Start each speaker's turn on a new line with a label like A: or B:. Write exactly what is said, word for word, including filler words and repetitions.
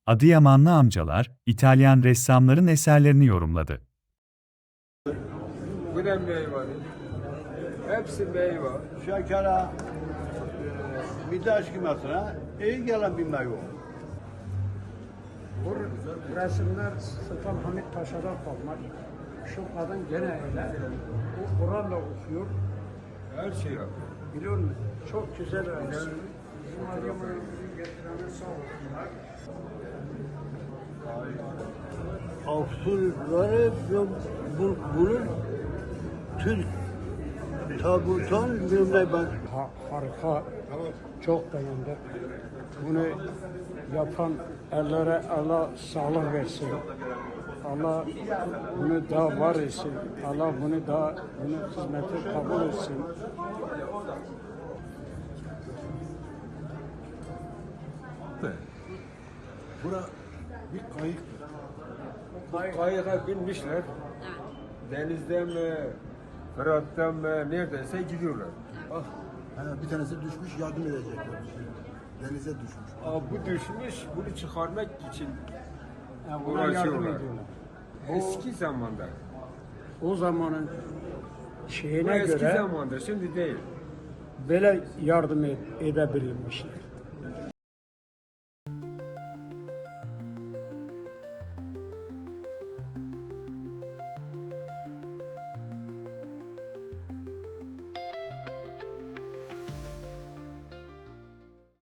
A: Adıyamanlı amcalar, İtalyan ressamların eserlerini yorumladı.
B: Bu da meyve. Hepsi meyve.
C: Şekere, e, bir de eskimasına iyi gelen bir meyve.
D: Bu resimler Sultan Hamid Paşa'dan kalma. Şu kadın gene öyle. O Kur'an'la okuyor.
B: Her şey yapıyor.
D: Biliyor musun? Çok güzel resim. Bizim Adıyaman'ın getirene sağ olsunlar.
C: Avsurları bu, bunun Türk tabutan bilmem ben.
D: Ha, harika. Çok beğendim. Bunu yapan ellere Allah sağlık versin. Allah bunu daha var etsin. Allah bunu daha bunu hizmeti kabul etsin.
C: Bura bir kayıktır.
B: Kayığa binmişler. Denizden mi, Fırat'tan mı, neredeyse gidiyorlar. Ah,
E: Ha, bir tanesi düşmüş, yardım edecekler. Denize düşmüş.
B: aa, bu düşmüş, bunu çıkarmak için
D: Yani buna yardım
B: uğraşıyorlar.
D: ediyorlar.
B: Eski zamanda.
D: O zamanın
B: Bu
D: şeyine
B: eski
D: göre
B: zamanda, şimdi değil.
D: böyle yardım ed- edebilirmişler.